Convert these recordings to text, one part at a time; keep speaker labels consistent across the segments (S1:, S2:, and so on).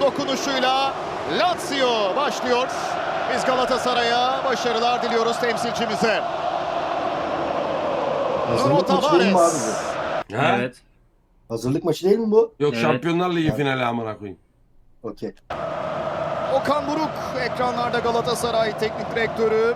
S1: dokunuşuyla Lazio başlıyor. Biz Galatasaray'a başarılar diliyoruz temsilcimize. Nuno
S2: Hazırlık maçı değil mi abi
S1: Tavares.
S2: bu?
S3: Ha?
S4: Evet.
S2: Hazırlık maçı değil mi bu?
S3: Yok
S4: Evet.
S3: Şampiyonlar Ligi finali amına koyayım.
S2: Okey.
S1: Okan Buruk ekranlarda, Galatasaray Teknik Direktörü.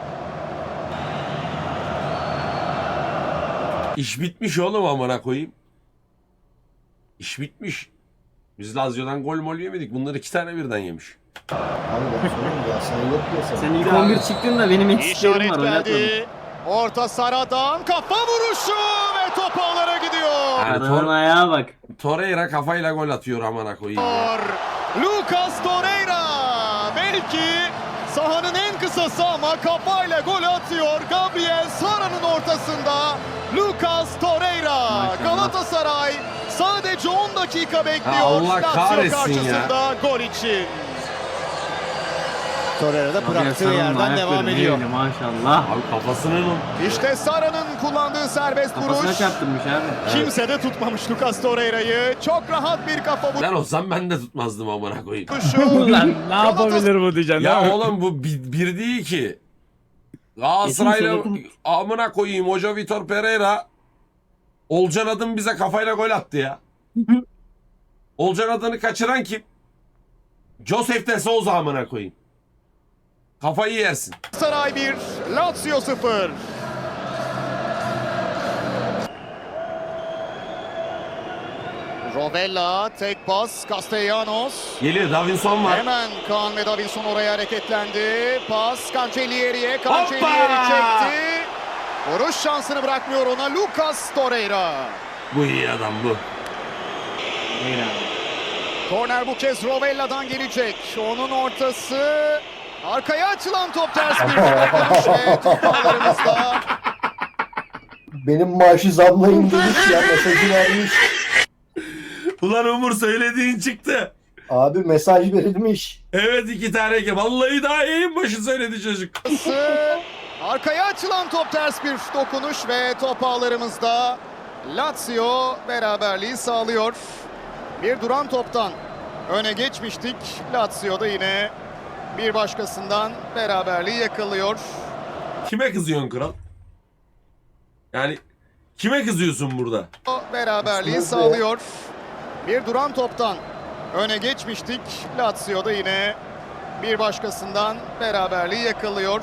S3: İş bitmiş oğlum amına koyayım. İş bitmiş. Biz Lazio'dan gol mol yemedik. Bunlar 2 tane birden yemiş.
S2: Abi ben söyleyeyim ya sen yok diye sana.
S4: Sen ilk 11 çıktın da benim eksiklerim
S1: İşaret
S4: var. Oynatmadım.
S1: geldi. Orta Sara'dan kafa vuruşu ve top ağlara gidiyor.
S3: Yani
S4: Adamın ayağa bak.
S3: Torreira kafayla gol atıyor amına koyayım.
S1: Lucas Torreira belki sahanın en kısası ama kafayla gol atıyor. Gabriel Sara'nın ortasında Lucas Torreira.
S4: Maşallah.
S1: Galatasaray sadece 10 dakika bekliyor.
S3: Allah
S1: Lazio
S3: kahretsin
S1: karşısında gol için. Torreira da
S4: Gabriel
S1: bıraktığı
S4: Sara'nın
S1: yerden devam
S4: ayakları
S1: ediyor.
S4: neyle Maşallah.
S3: Abi kafasının
S1: İşte Sara'nın kullandığı serbest
S4: Kafasına
S1: vuruş.
S4: çarptırmış abi.
S1: Kimse de tutmamış Lucas Torreira'yı. Çok rahat bir kafa
S3: Ben olsam ben de tutmazdım amına koyayım.
S1: vuruşu.
S5: Lan ne yapabilir bu diyeceksin değil
S3: Ya
S5: mi?
S3: oğlum bu bir değil ki. Galatasaray'la
S4: Kesin
S3: amına koyayım Hoca Vitor Pereira Olcan Adın bize kafayla gol attı ya. Olcan Adın'ı kaçıran kim? Josef de Souza amına koyayım. Kafayı yersin.
S1: Saray 1, Lazio 0. Rovella, tek pas, Castellanos.
S3: Geliyor Davinson var.
S1: Hemen Kaan ve Davinson oraya hareketlendi. Pas Cancellieri'ye,
S3: Hoppa!
S1: Cancellieri çekti. Vuruş şansını bırakmıyor ona Lucas Torreira.
S3: Bu iyi adam bu.
S4: Değil abi.
S1: Korner bu kez Rovella'dan gelecek. Onun ortası. Arkaya açılan top ters bir dönüş ve top ağlarımızda.
S2: Benim maaşı zamlayın demiş ya, mesajı vermiş.
S3: Ulan Umur söylediğin çıktı.
S2: Abi mesaj verilmiş.
S3: Evet 2 tane ki. Vallahi daha yayın başı söyledi çocuk.
S1: Arkaya açılan top ters bir dokunuş ve top ağlarımızda. Lazio beraberliği sağlıyor. Bir duran toptan öne geçmiştik. Lazio da yine bir başkasından beraberliği yakalıyor.
S3: Kime kızıyorsun kral? Yani kime kızıyorsun burada?
S1: Beraberliği
S2: Aslında
S1: sağlıyor. Bir duran toptan öne geçmiştik. Lazio da yine bir başkasından beraberliği yakalıyor.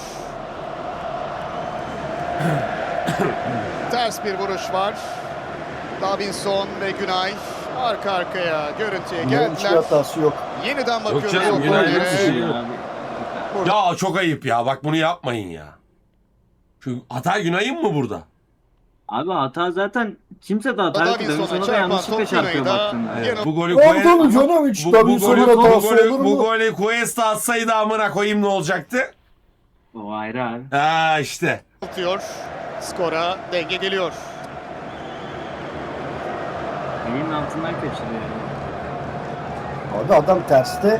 S1: Ters bir vuruş var. Davinson ve Günay arka arkaya görüntüye
S2: Bunların hiçbir
S1: geldiler.
S2: hatası yok.
S1: Yeniden bakıyoruz.
S3: canım,
S1: o
S3: Günay
S1: gollere.
S3: yok bir şey yok.
S4: Abi.
S3: Ya çok ayıp ya. Bak bunu yapmayın ya. Şu hata Günay'ın mı burada?
S4: Abi hata zaten kimse de hata yok.
S1: Davinson'a
S4: Davinson'a da
S1: çarpan
S4: yanlışlıkla
S1: top
S4: çarpıyor
S1: Günay'da.
S4: baktığında.
S1: Evet.
S3: Bu golü
S2: Oldu mu canım hiç? Davinson'un hatası olur
S3: bu
S2: mu?
S3: golü Cuesta atsaydı amına koyayım ne olacaktı?
S4: O ayrı abi.
S3: Ha işte.
S1: Tutuyor. Skora denge geliyor.
S4: Elinin altından kaçırıyor.
S2: Abi adam terste.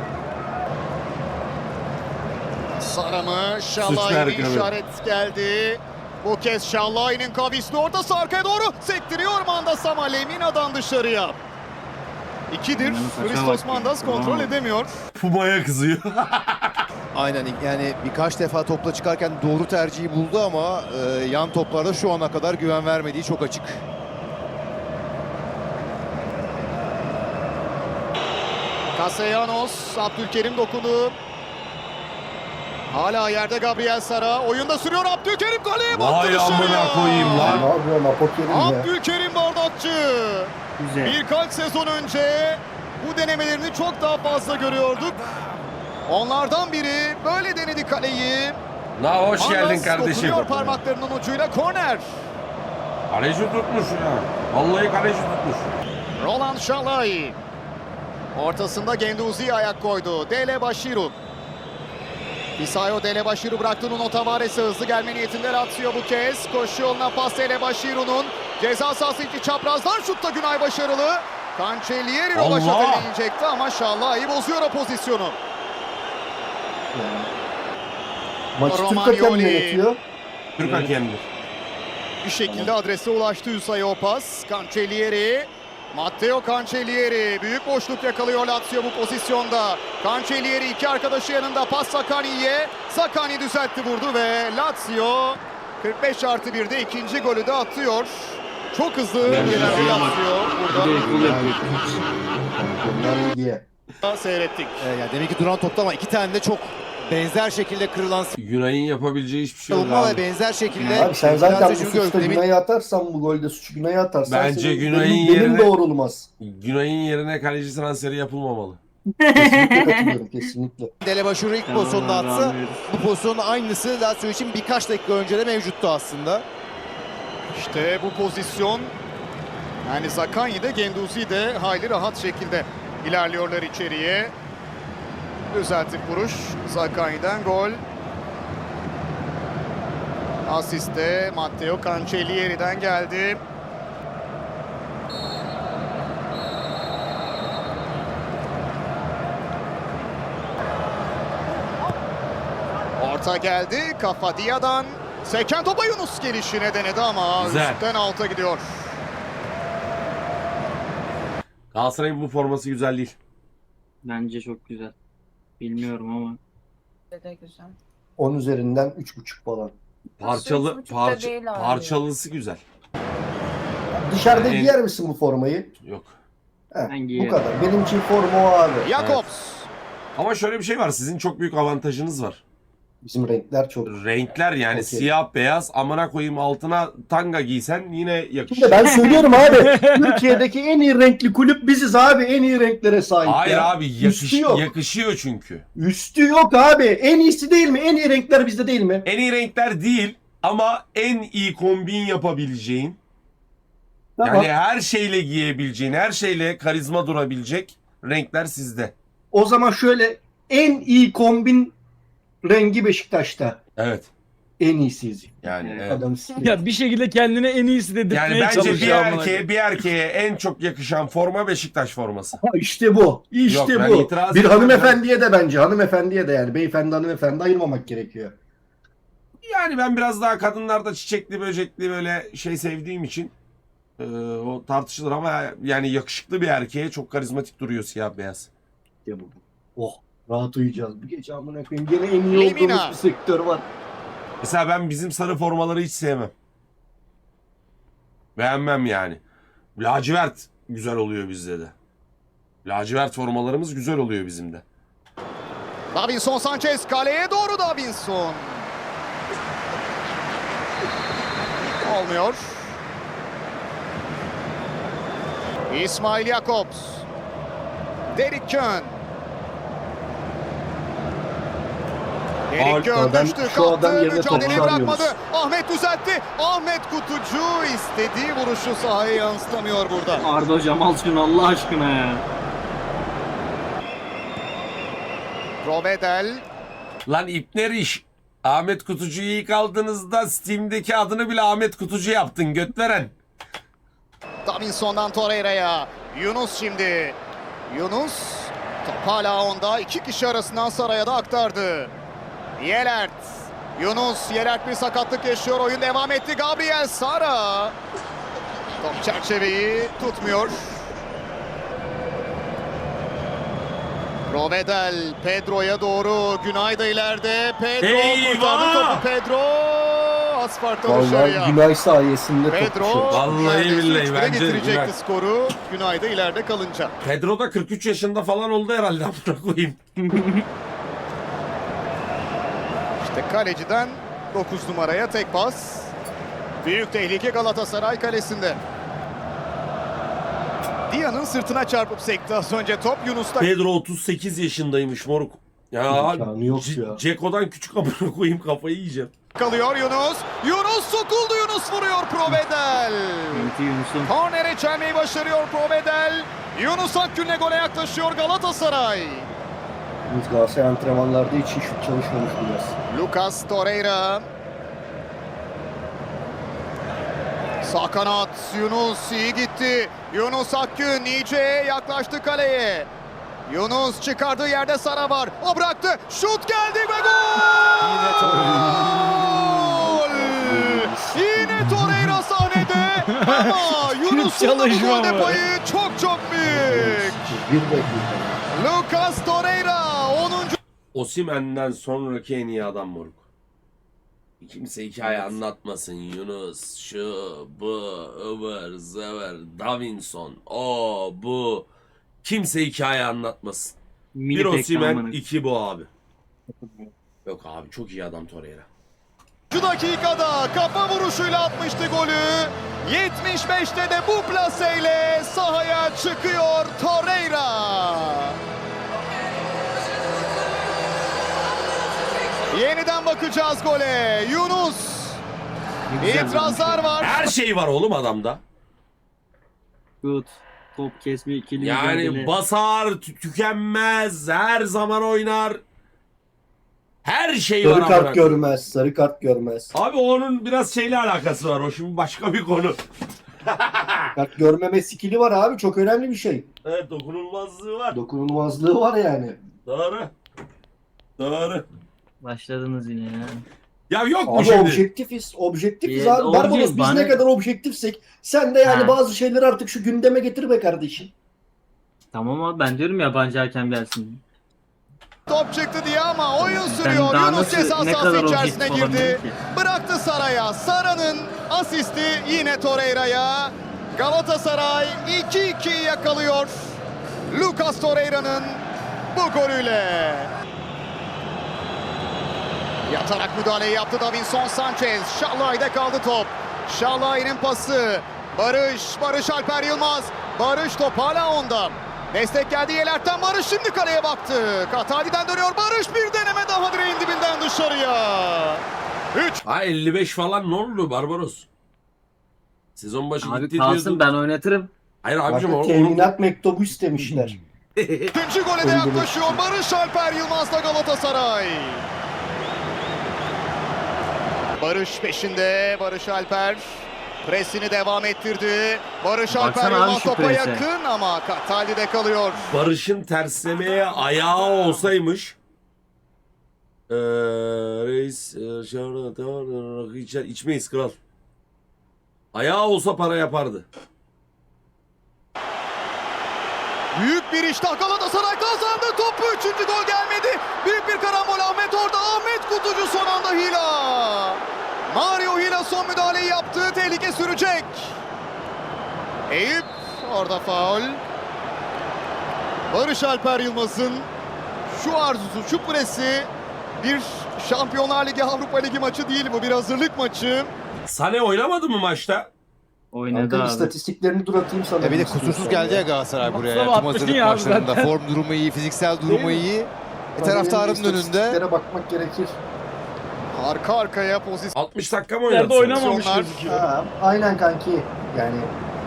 S1: Sara mı?
S3: Suçlu
S1: Şalay'ın
S3: hareket.
S1: işaret geldi. Bu kez Şalay'ın kavisli ortası arkaya doğru sektiriyor Mandas ama Lemina'dan dışarıya. 2'dir.
S4: Saça
S1: Christos
S4: bak.
S1: Mandas kontrol
S4: Tamam.
S1: edemiyor.
S3: Puma'ya kızıyor.
S6: Aynen yani birkaç defa topla çıkarken doğru tercihi buldu ama yan toplarda şu ana kadar güven vermediği çok açık.
S1: Castellanos, Abdülkerim dokudu. Hala yerde Gabriel Sara. Oyunda sürüyor Abdülkerim golü.
S3: Vay amına koyayım
S2: Ne
S3: lan.
S2: yapıyor Apokerim ya?
S1: Abdülkerim bardakçı.
S4: Güzel.
S1: Birkaç sezon önce bu denemelerini çok daha fazla görüyorduk. Onlardan biri böyle denedi kaleyi.
S3: Na hoş
S1: Mandas
S3: geldin kardeşim.
S1: dokunuyor parmaklarının ucuyla korner.
S3: Kaleci tutmuş ya. Vallahi kaleci tutmuş.
S1: Roland Şalay. Ortasında Genduzi'ye ayak koydu. Dele Bashiru. Fisayo Dele Bashiru bıraktı Nuno Tavares'e, hızlı gelme niyetinde Lazio bu kez. Koşu yoluna pas Dele Bashiru'nun. Ceza sahası içi çaprazdan şutta Günay başarılı. Cancellieri
S3: Allah!
S1: Rovaş'a deneyecekti ama Şalay bozuyor o pozisyonu.
S2: Maçı Türk
S1: Romagnoli.
S2: hakem yönetiyor.
S3: Türk hakemdir.
S1: Bir şekilde adrese ulaştı Hüsayi o pas. Cancellieri Matteo Cancellieri büyük boşluk yakalıyor Lazio bu pozisyonda. Cancellieri iki arkadaşı yanında, pas Zaccagni'ye. Zaccagni düzeltti, vurdu ve Lazio 45+1'de ikinci golü de atıyor. Çok hızlı gelen bir Lazio burada
S4: Bir de gol yapıyor.
S2: Bunlar diye.
S1: seyrettik.
S6: Yani demek ki duran topta ama iki tane de çok benzer şekilde kırılan
S3: Günay'ın yapabileceği hiçbir şey yok
S6: savunma ve
S3: abi.
S6: benzer şekilde.
S2: Abi sen zaten bu
S6: Biraz da şunu
S2: suçta
S6: gördük. Demin
S2: Günay'ı atarsan, bu golde suçu Günay'ı atarsan
S3: Bence
S2: senin-
S3: Günay'ın
S2: benim
S3: yerine-
S2: doğrulmaz.
S3: Günay'ın yerine kaleci transferi yapılmamalı.
S2: Kesinlikle katılıyorum, kesinlikle.
S6: Delebaşuru ilk pozisyonda atsa bu pozisyonun aynısı Lazio için birkaç dakika önce de mevcuttu aslında.
S1: İşte bu pozisyon, yani Zaccagni de Guendouzi de hayli rahat şekilde ilerliyorlar içeriye. Düzeltip vuruş Zaccagni'den gol. Asist de Matteo Cancellieri'den geldi. Orta geldi, kafa Dia'dan. Seken topa Yunus gelişine denedi ama
S3: Güzel.
S1: üstten alta gidiyor.
S3: Galatasaray'ın bu forması güzel değil.
S4: Bence çok güzel. Bilmiyorum ama.
S7: De güzel.
S2: 10 üzerinden 3,5 falan.
S3: Parçalı,
S7: 3,5'da değil abi.
S3: parçalısı güzel.
S2: Dışarıda
S3: En-
S2: giyer misin bu formayı?
S3: Yok.
S2: Heh,
S4: Ben
S2: bu
S4: giyerim.
S2: kadar. Benim için forma o abi.
S1: Jakobs.
S3: Ama şöyle bir şey var. Sizin çok büyük avantajınız var.
S2: Bizim renkler çok.
S3: Renkler yani
S2: Okey.
S3: siyah beyaz, amına koyayım altına tanga giysen yine yakışır.
S2: Şimdi ben söylüyorum abi. Türkiye'deki en iyi renkli kulüp biziz abi. En iyi renklere sahip
S3: Hayır
S2: ya.
S3: abi
S2: Üstü yok.
S3: yakışıyor çünkü.
S2: Üstü yok abi. En iyisi değil mi? En iyi renkler bizde değil mi?
S3: En iyi renkler değil ama en iyi kombin yapabileceğin,
S2: Tamam.
S3: yani her şeyle giyebileceğin, her şeyle karizma durabilecek renkler sizde.
S2: O zaman şöyle, en iyi kombin rengi Beşiktaş'ta.
S3: Evet.
S2: En iyisiyiz.
S3: Yani
S4: Evet.
S3: evet.
S2: Adam sikiyor.
S5: Ya bir şekilde kendine en iyisi dedirtmeye
S3: Yani bence
S5: çalışıyor. amına koyayım.
S3: bir erkeğe en çok yakışan forma Beşiktaş forması.
S2: Ha, İşte bu. İşte
S3: Yok, ben
S2: bu.
S3: itiraz
S2: Bir
S3: ediyorum.
S2: hanımefendiye de bence. Hanımefendiye de yani. Beyefendi hanımefendi ayırmamak gerekiyor.
S3: Yani ben biraz daha kadınlarda çiçekli böcekli böyle şey sevdiğim için o tartışılır ama yani yakışıklı bir erkeğe çok karizmatik duruyor siyah beyaz.
S2: İşte bu. Oh. Rahat uyuyacağız. Bu gece amına koyayım. Gene en iyi
S1: Lemina.
S2: olduğumuz bir sektör var.
S3: Mesela ben bizim sarı formaları hiç sevmem. Beğenmem yani. Lacivert güzel oluyor bizde de. Lacivert formalarımız güzel oluyor bizim de.
S1: Davinson Sanchez kaleye doğru, Davinson. Olmuyor. İsmail Jakobs. Derek Kön. Derek Kön
S2: Adam-
S1: düştü,
S2: şu adam
S1: kalktı,
S2: yerine
S1: mücadeleyi
S2: top
S1: bırakmadı.
S2: çağırıyoruz.
S1: Ahmet düzeltti. Ahmet Kutucu istediği vuruşu sahaya yansıtamıyor burada.
S4: Arda hocam al şunu Allah aşkına ya.
S1: Provedel.
S3: Lan İpner iş. Ahmet Kutucu'yu ilk aldığınızda Steam'deki adını bile Ahmet Kutucu yaptın götveren.
S1: Davinson'dan Torreira'ya. Yunus şimdi. Yunus. Top hala onda. İki kişi arasından Saray'a da aktardı. Yelert. Yunus. Yelert bir sakatlık yaşıyor. Oyun devam etti. Gabriel Sara. Top çerçeveyi tutmuyor. Provedel Pedro'ya doğru. Günay da ileride. Pedro
S3: Eyvah!
S1: kurtardı topu. Pedro. Asfalttan dışarıya.
S2: Vallahi Günay sayesinde
S1: Pedro
S2: topçu.
S3: Vallahi
S1: neredeyse
S3: billahi
S1: 3-1'e
S3: bence
S1: getirecekti
S3: Günay.
S1: skoru. Günay da ileride kalınca.
S3: Pedro da 43 yaşında falan oldu herhalde amına koyayım.
S1: İşte kaleciden 9 numaraya tek pas. Büyük tehlike Galatasaray kalesinde. Dia'nın sırtına çarpıp sekti az önce top. Yunus'ta
S3: Pedro 38 yaşındaymış moruk. Ya
S2: İmkanı yok ya.
S3: Ceko'dan küçük amına koyayım kafayı yiyeceğim.
S1: kalıyor Yunus. Yunus sokuldu. Yunus vuruyor Provedel.
S4: Enti Yunus'un.
S1: Kornere çelmeyi başarıyor Provedel. Yunus Akgün'le gole yaklaşıyor Galatasaray.
S2: Biz Galatasaray antrenmanlarda hiç şut çalışmamış biraz.
S1: Lucas Torreira. Sağ kanat Yunus iyi gitti. Yunus Akgün iyice yaklaştı kaleye. Yunus çıkardığı yerde Sara var. O bıraktı. Şut geldi ve gol! Yine Torreira sahnede. ama Yunus'un da bu
S5: çalışma
S1: golde
S5: mı?
S1: payı çok çok büyük.
S2: Bir dakika.
S1: Lucas Torreira 10.
S3: Osimhen'den sonraki en iyi adam moruk. Kimse hikaye anlatmasın. Yunus, şu, bu, ıvır, zıvır, Davinson, o, bu. Kimse hikaye anlatmasın.
S4: Mini
S3: Bir
S4: pek
S3: Osimhen,
S4: tamamen.
S3: 2 bu abi. Yok abi çok iyi adam Torreira.
S1: Şu dakikada kafa vuruşuyla atmıştı golü. 75'te de bu plaseyle sahaya çıkıyor Torreira. Yeniden bakacağız gole. Yunus.
S4: Ne güzel
S1: İtirazlar var.
S3: Her şey var oğlum adamda.
S4: Şut, top kesme, ikili
S3: Yani
S4: mücadele.
S3: basar, tükenmez, her zaman oynar. Her şey var
S2: Sarı
S3: amına
S2: kart
S3: koyayım.
S2: görmez. Sarı kart görmez.
S3: Abi onun biraz şeyle alakası var. O şimdi başka bir konu.
S2: Kart görmeme skili var abi. Çok önemli bir şey.
S3: Evet dokunulmazlığı var.
S2: Dokunulmazlığı var yani.
S3: Doğru. Doğru.
S4: Başladınız yine ya.
S3: Ya yok mu
S2: Abi
S3: şimdi?
S2: objektifiz. Objektifiz
S4: Evet,
S2: abi. Barbaros biz
S4: bana-
S2: ne kadar objektifsek sen de yani
S4: Ha.
S2: bazı şeyleri artık şu gündeme getir be kardeşim.
S4: Tamam abi ben diyorum yabancı hakem gelsin.
S1: Top çıktı diye ama oyun
S4: Ben
S1: sürüyor.
S4: daha
S1: Yunus
S4: nasıl-
S1: ceza
S4: ne
S1: sahası
S4: kadar
S1: içerisine
S4: objektif
S1: girdi.
S4: olabilirim ki?
S1: Bıraktı Saray'a. Sara'nın asisti yine Torreira'ya. Galatasaray 2-2'yi yakalıyor. Lucas Torreira'nın bu golüyle. Yatarak müdahaleyi yaptı Davinson Sanchez. Şallay'da kaldı top. Şallay'ın pası. Barış Alper Yılmaz. Barış top hala onda. Destek geldi Yelert'ten. Barış şimdi kaleye baktı. Katali'den dönüyor. Barış bir deneme daha direğin dibinden dışarıya. 3.
S3: Ha 55 falan ne oldu Barbaros? Sezon başı
S4: Abi
S3: gitti
S4: kalsın
S3: diyordun.
S4: ben oynatırım.
S3: Hayır abicim
S2: Bakın
S3: onu...
S2: teminat mektubu istemişler.
S1: İkinci gole de
S2: Öldürmek
S1: yaklaşıyor.
S2: için.
S1: Barış Alper Yılmaz'la Galatasaray. Barış peşinde. Barış Alper presini devam ettirdi. Barış
S4: Baksana
S1: Alper
S4: abi
S1: Yılmaz
S4: şu
S1: topa
S4: prese.
S1: yakın ama Katali'de kalıyor.
S3: Barış'ın terslemeye ayağı olsaymış reis içmeyiz kral. Ayağı olsa para yapardı.
S1: Büyük bir iştah Galatasaray kazandı. Topu 3. gol gelmedi. Büyük bir karambol Ahmet orada. Ahmet Kutucu son anda Hila. Mario Hila son müdahaleyi yaptı. Tehlike sürecek. Eyüp orada faul. Barış Alper Yılmaz'ın şu arzusu, şu presi bir Şampiyonlar Ligi, Avrupa Ligi maçı değil bu. Bir hazırlık maçı.
S3: Sane oynamadı mı maçta?
S4: Oynadı
S2: Kanka
S4: abi.
S2: istatistiklerini dur atayım sana.
S6: Bir de
S2: istiyorsan
S6: kusursuz geldi ya
S2: ya.
S6: Galatasaray buraya.
S5: Baksana
S6: Tüm
S5: 60
S6: hazırlık
S5: ya
S6: maçlarında.
S5: zaten.
S6: Form durumu iyi, fiziksel durumu
S5: Değil mi?
S6: iyi.
S2: Tabii
S6: Taraftarın
S2: benim
S6: önünde.
S2: istatistiklere bakmak gerekir.
S1: Arka arkaya pozisyon.
S3: 60 dakika mı
S5: Nerede
S3: oynadı?
S5: oynamamış
S1: Pozisyonlar.
S5: gözüküyor.
S2: Ha, aynen kanki. Yani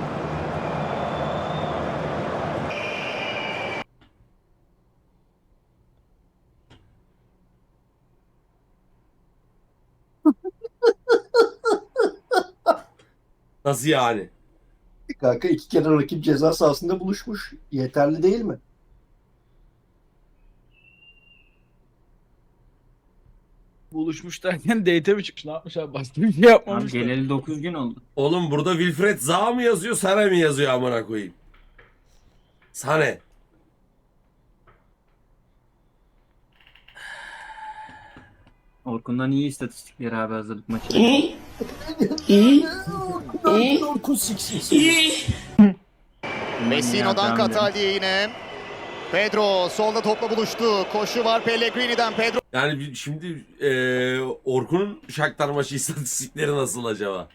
S3: Nasıl yani?
S2: kanka 2 kere rakip ceza sahasında buluşmuş. Yeterli değil mi?
S5: Buluşmuş derken date mi çıkmış? Ne yapmış abi? Başka bir şey
S4: Abi
S5: yapmamışlar.
S4: geleli 9 gün oldu.
S3: Oğlum burada Wilfred Zaha mı yazıyor, Sane mi yazıyor amına koyayım? Sane.
S4: Orkun'dan iyi istatistikleri abi hazırlık maçı.
S1: Messino'dan Katali'ye yine. Pedro solda topla buluştu. Koşu var Pellegrini'den. Pedro
S3: Yani şimdi Orkun'un Shakhtar maçı istatistikleri nasıl acaba?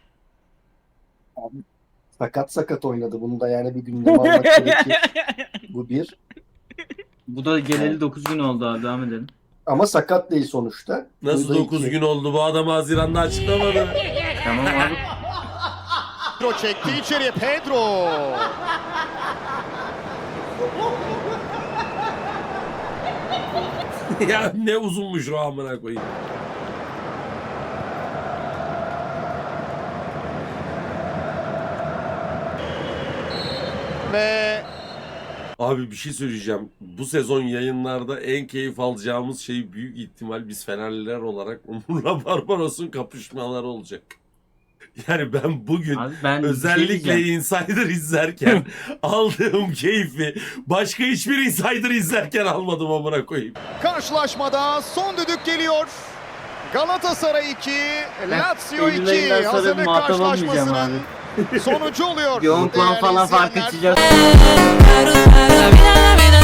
S2: Sakat oynadı. Bunu da yani bir gündeme almak gerekir. Bu bir.
S4: Bu da geleli 9 gün oldu abi devam edelim.
S2: Ama sakat değil sonuçta.
S3: Nasıl
S2: Bu da
S3: 9
S2: iki.
S3: gün oldu bu adam Haziran'da açıklamadı.
S4: Tamam abi.
S1: çekti içeriye. Pedro.
S3: Ya ne uzunmuş o amına koyayım.
S1: Ve
S3: Abi bir şey söyleyeceğim. Bu sezon yayınlarda en keyif alacağımız şey büyük ihtimal biz Fenerliler olarak Umur'la Barbaros'un kapışmaları olacak. Yani ben bugün
S4: Abi ben bir şey
S3: özellikle
S4: diyeceğim.
S3: Insider izlerken aldığım keyfi başka hiçbir Insider izlerken almadım amına koyayım.
S1: Karşılaşmada son düdük geliyor. Galatasaray 2, Lazio
S4: Eylül
S1: 2
S4: ayından sonra
S1: hazırlık
S4: muhatap olmayacağım
S1: karşılaşmasının sonucu oluyor.
S4: Bir 10 puan
S1: Değerli
S4: falan fark
S1: izleyenler.
S4: içeceğiz.
S8: La vida, la vida